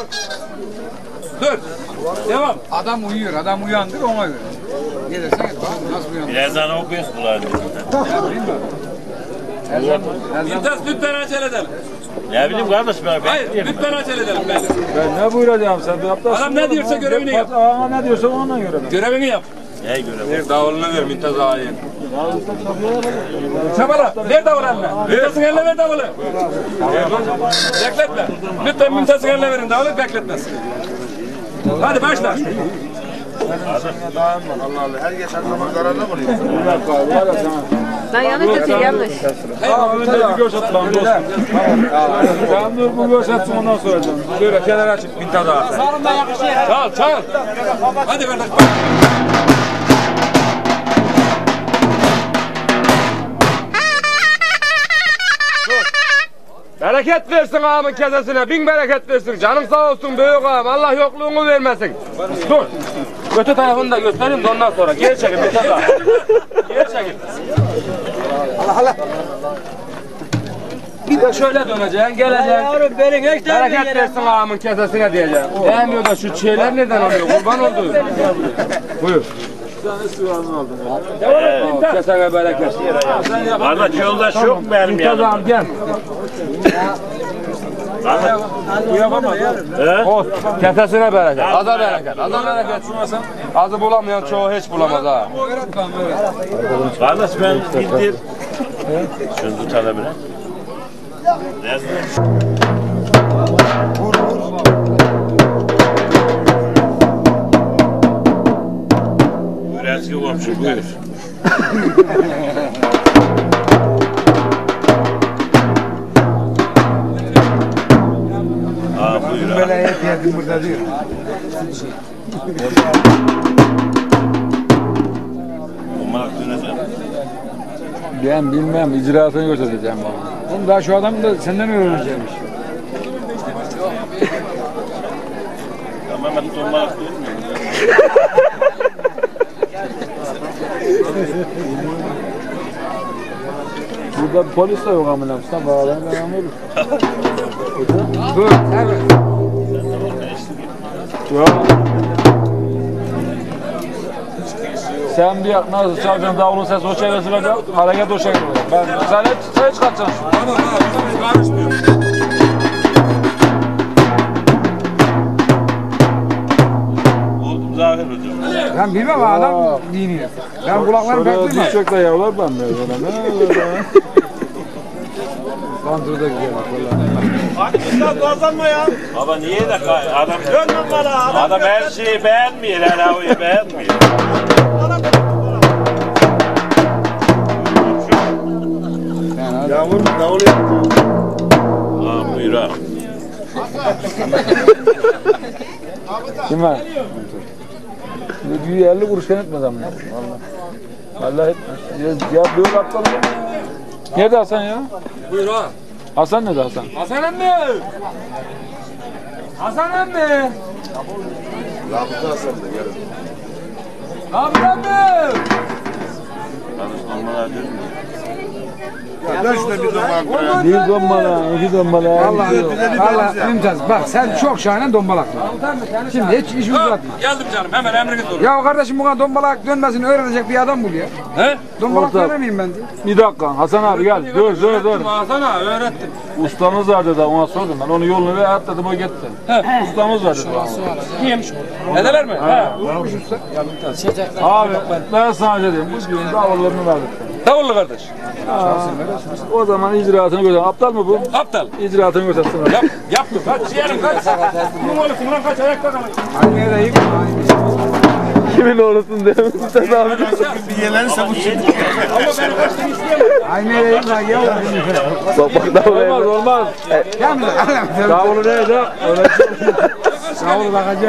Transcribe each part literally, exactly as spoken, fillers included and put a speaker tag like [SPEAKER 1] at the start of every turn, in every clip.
[SPEAKER 1] Dur. Devam.
[SPEAKER 2] Adam uyuyor, adam uyandır ona göre. Gelirsen nasıl uyandır?
[SPEAKER 3] Birazdan okuyoruz bunları.
[SPEAKER 1] İntas lütfen acele edelim.
[SPEAKER 3] Ne bileyim kardeş ben.
[SPEAKER 1] Hayır, lütfen acele edelim ben.
[SPEAKER 4] Ben ne buyuracağım sen de yaptasın.
[SPEAKER 1] Adam ne diyorsa görevini yap.
[SPEAKER 4] Ağam ne diyorsa ona göre.
[SPEAKER 1] Görevini yap.
[SPEAKER 3] Ne görev?
[SPEAKER 1] Ver davulunu ver Mümtaz ağayı. Çabala, ver davulu eline. Mümtaz'ın eline ver davulu. Bekletme. Lütfen Mümtaz'ın eline verin davulu, bekletmez. Hadi başla.
[SPEAKER 5] Allah Allah. Her geçen zaman zararlı mı oluyor?
[SPEAKER 6] Lan yanlış atıyor, yanlış.
[SPEAKER 4] Ağam önce bir göz at lan dostum. Sen dur bu göz atsın ondan sonra canım.
[SPEAKER 1] Böyle kenara çık Mümtaz ağa. Çal, çal. Hadi kardeş.
[SPEAKER 4] Bereket versin ağamın kesesine, bin bereket versin. Canım sağ olsun büyük ağam, Allah yokluğunu vermesin. Dur. Kötü tarafını da göstereyim de ondan sonra. Geri çekil bir tane daha. Geri çekil. Allah Allah. Bir de şöyle döneceksin, geleceksin.
[SPEAKER 7] Yavrum benim hiç
[SPEAKER 4] Bereket versin ağamın kesesine diyeceksin. Değmiyor da şu şeyler nereden oluyor? Kurban oldu. Buyur.
[SPEAKER 1] Devam et.
[SPEAKER 4] Kesene bereket.
[SPEAKER 3] Kardeş yoldaş yok mu benim
[SPEAKER 4] Mümtaz
[SPEAKER 3] yanımda?
[SPEAKER 4] ağam gel.
[SPEAKER 3] He?
[SPEAKER 4] Olsun. Kesesine bereket. Aza bereket. Aza bereket. Azı bulamayan çoğu hiç bulamaz ha.
[SPEAKER 3] Kardeş ben gittim. Şunu tutalım biraz. Buyur eski komşu buyur. Aa buyur ha.
[SPEAKER 2] Böyle hep yerdim burada diyor.
[SPEAKER 3] Umarım döneceğim.
[SPEAKER 4] Ben bilmem, icraatını göstereceğim bana.
[SPEAKER 2] Oğlum daha şu adam da senden öğreneceğimiş.
[SPEAKER 3] Tamam ben tombalık değil mi?
[SPEAKER 4] Burada polis de yok amına. Sen bağlayın ben anlarım.
[SPEAKER 2] Dur, evet.
[SPEAKER 4] Yok. Sen bir nasıl çalacaksın davulun sesi o çevresi vereceksin, hareket o şekilde. Ben sen hiç, sen hiç kaçacaksın.
[SPEAKER 1] Tamam abi, karışmıyor.
[SPEAKER 3] Oldum zahir hocam.
[SPEAKER 2] Ben bilmem adam diniyor. Ben kulaklarım pek
[SPEAKER 4] Şöyle
[SPEAKER 2] duymam.
[SPEAKER 4] düşecek de yavlar ben de böyle.
[SPEAKER 2] Kontrolda gidiyor bak vallahi.
[SPEAKER 5] Hakikaten kazanma ya.
[SPEAKER 3] Baba niye de kay- adam
[SPEAKER 5] Dönmem bana.
[SPEAKER 3] adam her şeyi beğenmiyor, her havayı beğenmiyor.
[SPEAKER 5] Yağmur davul yaptı.
[SPEAKER 3] Aa buyur ha.
[SPEAKER 4] Kim var? Bir elli kuruş etmez ama. Vallahi. Vallahi etmez. Ya, ya böyle aptal mı? Nerede Hasan ya?
[SPEAKER 1] Buyur ha.
[SPEAKER 4] Hasan nerede Hasan?
[SPEAKER 1] Hasan emmi. Hasan emmi.
[SPEAKER 5] Rabıta Hasan da gelin.
[SPEAKER 1] Abi emmi.
[SPEAKER 3] Kardeş normal diyorum.
[SPEAKER 5] Ya dön şuna bir zaman.
[SPEAKER 4] Bir dombala, iki dombala.
[SPEAKER 2] Vallahi vallahi Mümtaz bak sen çok şahane dombalaklı. Şimdi hiç iş uzatma.
[SPEAKER 1] Geldim canım hemen emriniz olur.
[SPEAKER 2] Ya kardeşim buna dombalak dönmesini öğrenecek bir adam bul ya.
[SPEAKER 1] He?
[SPEAKER 2] Dombalak
[SPEAKER 4] Orta.
[SPEAKER 2] dönemeyim ben diye.
[SPEAKER 4] Bir dakika Hasan abi gel. Dur dur dur.
[SPEAKER 1] Hasan ağa öğrettim.
[SPEAKER 4] Ustamız var dedi ona sordum ben. Onun yolunu ver at dedim o gitti. Ustamız var dedi bana.
[SPEAKER 1] Kim? Nedeler mi? He.
[SPEAKER 4] Abi ben sana dedim bu gün davullarını verdik.
[SPEAKER 1] Davullu kardeş.
[SPEAKER 4] O zaman icraatını göster. Aptal mı bu?
[SPEAKER 1] Aptal.
[SPEAKER 4] İcraatını göstersin.
[SPEAKER 1] Yap, yaptım. Kaç ciğerim kaç. Bunun oğlusun lan kaç ayakta kalın.
[SPEAKER 2] Aynaya da iyi.
[SPEAKER 4] Kimin oğlusun dedim. Sen abi.
[SPEAKER 5] Bir yelenirse bu şimdi.
[SPEAKER 1] Ama beni kaçtın isteyemem.
[SPEAKER 2] Aynaya da iyi lan ya.
[SPEAKER 4] Bak bak davul olmaz olmaz.
[SPEAKER 2] Gel mi?
[SPEAKER 4] Davulu neydi?
[SPEAKER 2] Davul bakacağım.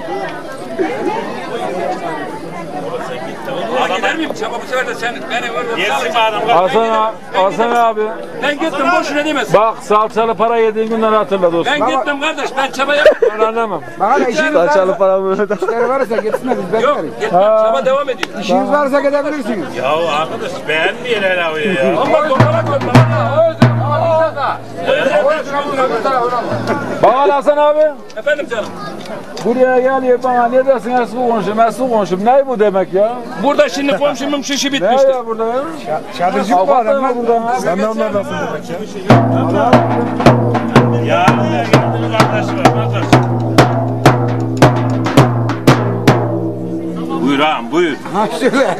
[SPEAKER 1] Ama gider miyim? Çaba bu sefer de sen beni orada
[SPEAKER 3] Yesin adam.
[SPEAKER 4] Hasan abi. Hasan abi.
[SPEAKER 1] Ben gittim boşuna demesin.
[SPEAKER 4] Bak salçalı para yediğin günleri hatırla dostum.
[SPEAKER 1] Ben gittim kardeş ben çaba yapmadım.
[SPEAKER 4] Ben anlamam.
[SPEAKER 2] Bak hadi işiniz varsa,
[SPEAKER 4] paramı
[SPEAKER 2] işleri varsa gitsinler biz
[SPEAKER 1] Yok
[SPEAKER 2] bekleriz.
[SPEAKER 1] gitmem çaba devam ediyor.
[SPEAKER 2] İşiniz varsa gidebilirsiniz.
[SPEAKER 3] Ya arkadaş beğenmiyor her havayı ya.
[SPEAKER 1] Ama dolara koyma.
[SPEAKER 7] Bana Hasan abi.
[SPEAKER 1] Efendim canım.
[SPEAKER 7] Buraya geliyor bana ne dersin eski konuşum eski konuşum. Ne bu demek ya?
[SPEAKER 1] Burada şimdi komşumun şişi
[SPEAKER 7] Ne
[SPEAKER 1] bitmişti.
[SPEAKER 7] ya burada ya?
[SPEAKER 2] Şadırcık bu
[SPEAKER 7] Avukat
[SPEAKER 2] adam
[SPEAKER 7] mı
[SPEAKER 2] lan.
[SPEAKER 7] burada?
[SPEAKER 2] Sen de onlardansın demek ya.
[SPEAKER 3] Ya buraya geldiğin kardeşi var. Nazar. Buyur ağam buyur.
[SPEAKER 2] Ha söyle.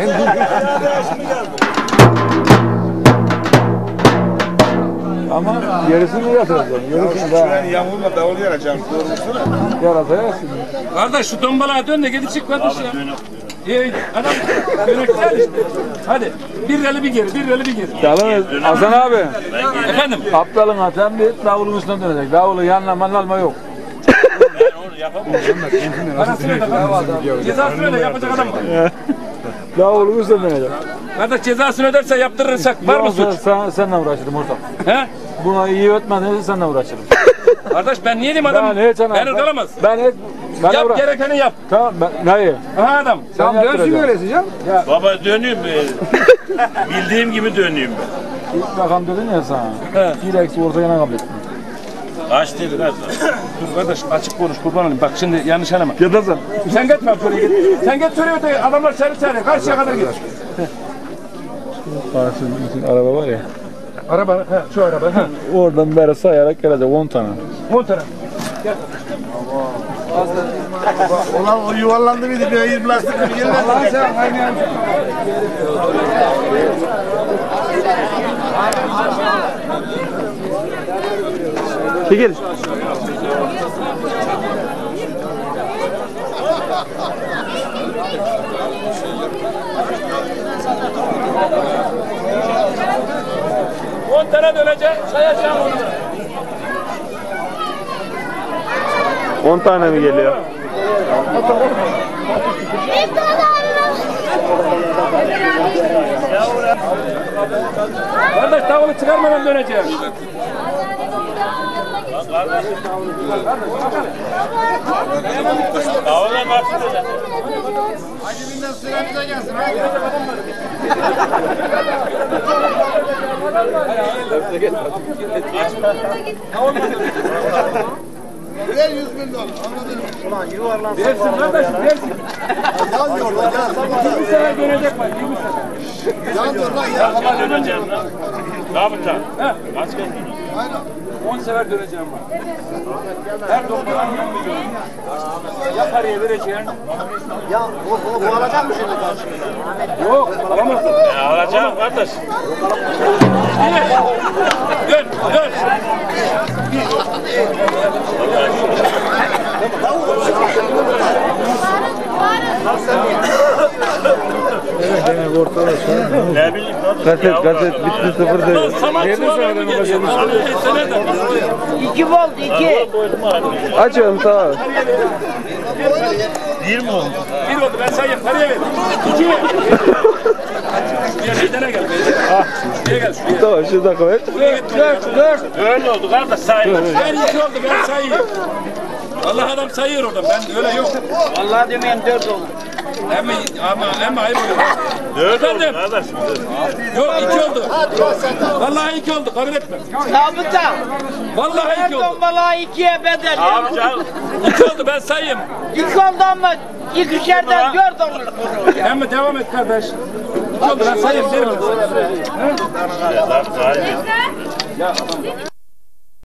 [SPEAKER 7] Ama gerisini yatıracağım. Gerisini daha
[SPEAKER 5] Ben yağmurla davul yaracağım.
[SPEAKER 7] yaratacaksın.
[SPEAKER 1] Kardeş şu tombalağa dön de gidip çık kardeş ya. İyi adam yöneteceksin işte. Hadi bir reli bir geri, bir reli bir geri.
[SPEAKER 7] Yalnız Hasan abi.
[SPEAKER 1] Efendim?
[SPEAKER 7] Aptalın atan bir davulun üstüne dönecek. Davulu yanına manalma yok.
[SPEAKER 3] Onu yapamam.
[SPEAKER 1] Parasını öde kardeş. Cezasını öde yapacak adam var.
[SPEAKER 7] Davulun üstüne dönecek.
[SPEAKER 1] Kardeş cezasını öderse yaptırırsak var mı
[SPEAKER 7] Yoksa
[SPEAKER 1] suç?
[SPEAKER 7] sen, seninle uğraşırım ortak.
[SPEAKER 1] He?
[SPEAKER 7] Buna iyi öğretmediyse seninle uğraşırım.
[SPEAKER 1] Kardeş ben niye diyeyim adam?
[SPEAKER 7] Ben hiç ana-
[SPEAKER 1] Beni ıkalamaz.
[SPEAKER 7] Ben hiç... Ben
[SPEAKER 1] Yap
[SPEAKER 7] uğra-
[SPEAKER 1] gerekeni yap.
[SPEAKER 7] Tamam ben... Neyi?
[SPEAKER 1] Aha adam.
[SPEAKER 2] Tamam dönsün
[SPEAKER 7] yaptıracaksın.
[SPEAKER 2] öylesi canım.
[SPEAKER 3] Baba döneyim mi? Bildiğim gibi döneyim ben.
[SPEAKER 7] İlk rakam dedin ya sana.
[SPEAKER 1] He.
[SPEAKER 7] Bir eksi orta yana kabul ettim.
[SPEAKER 3] Kaç dedi kaç?
[SPEAKER 1] Dur kardeş açık konuş kurban olayım. Bak şimdi yanlış anlama.
[SPEAKER 7] Yadasın.
[SPEAKER 1] Sen gitme şuraya git. Sen git şuraya öte adamlar seni çağırıyor. Karşıya kadar git.
[SPEAKER 7] Karşımızda araba var ya.
[SPEAKER 1] Araba he şu araba he.
[SPEAKER 7] Oradan beri sayarak gelecek on tane.
[SPEAKER 1] on tane.
[SPEAKER 5] Ulan o yuvarlandı mıydı? Bir ayır plastik bir yerine.
[SPEAKER 2] Allah'ın sen kaynayan.
[SPEAKER 7] Çekil.
[SPEAKER 1] on tane dönecek. Sayacağım onu.
[SPEAKER 7] on tane mi geliyor?
[SPEAKER 1] Kardeş davulu çıkarmadan döneceğim.
[SPEAKER 3] Davula nasıl dönecek?
[SPEAKER 5] Ver yüz bin dolar. Anladın mı?
[SPEAKER 1] Versin kardeşim versin.
[SPEAKER 5] Yan yorla yan.
[SPEAKER 1] yirmi sefer dönecek bak yirmi sefer.
[SPEAKER 5] Yan yorla yan.
[SPEAKER 3] Kaç kez döneceğim lan? Rabıta. Kaç kez döneceğim?
[SPEAKER 1] on sefer döneceğim bak. Her doktoran on milyon. Ya paraya vereceksin.
[SPEAKER 5] Ya o, o, bu alacak mı şimdi karşımıza?
[SPEAKER 1] Yok alamazsın.
[SPEAKER 3] Ya alacağım kardeş.
[SPEAKER 1] Dön dön.
[SPEAKER 3] Ne bileyim kardeş.
[SPEAKER 7] Kaset kaset bitti sıfır değil.
[SPEAKER 1] Lan saman çuvalına mı geliyor? Sen nereden?
[SPEAKER 6] İki volt iki.
[SPEAKER 7] Açıyorum sağ ol.
[SPEAKER 3] Bir mi oldu?
[SPEAKER 1] Bir oldu ben sayayım paraya ver. İki. Bir meydana gel. Şuraya gel şuraya.
[SPEAKER 7] Tamam şu dakika ver.
[SPEAKER 1] Dört dört dört.
[SPEAKER 3] Öyle oldu kardeş sayın.
[SPEAKER 1] Ben iki oldu ben sayayım. Allah adam sayıyor orada ben öyle yok.
[SPEAKER 6] Vallahi demeyen dört olur.
[SPEAKER 1] Ama ama ama ayıp oluyor.
[SPEAKER 3] Dört oldu
[SPEAKER 1] Efendim?
[SPEAKER 3] kardeş.
[SPEAKER 1] Yok iki oldu. Vallahi iki oldu kabul etme.
[SPEAKER 6] Zabıta.
[SPEAKER 1] Vallahi
[SPEAKER 6] Her
[SPEAKER 1] iki oldu.
[SPEAKER 6] tombala ikiye bedel.
[SPEAKER 3] Abi canım.
[SPEAKER 1] İki oldu ben sayayım.
[SPEAKER 6] İki oldu mı? İkişerden dört olur.
[SPEAKER 1] Ama devam et kardeş. İki oldu ben sayayım. Derim.
[SPEAKER 3] Zaten sayın.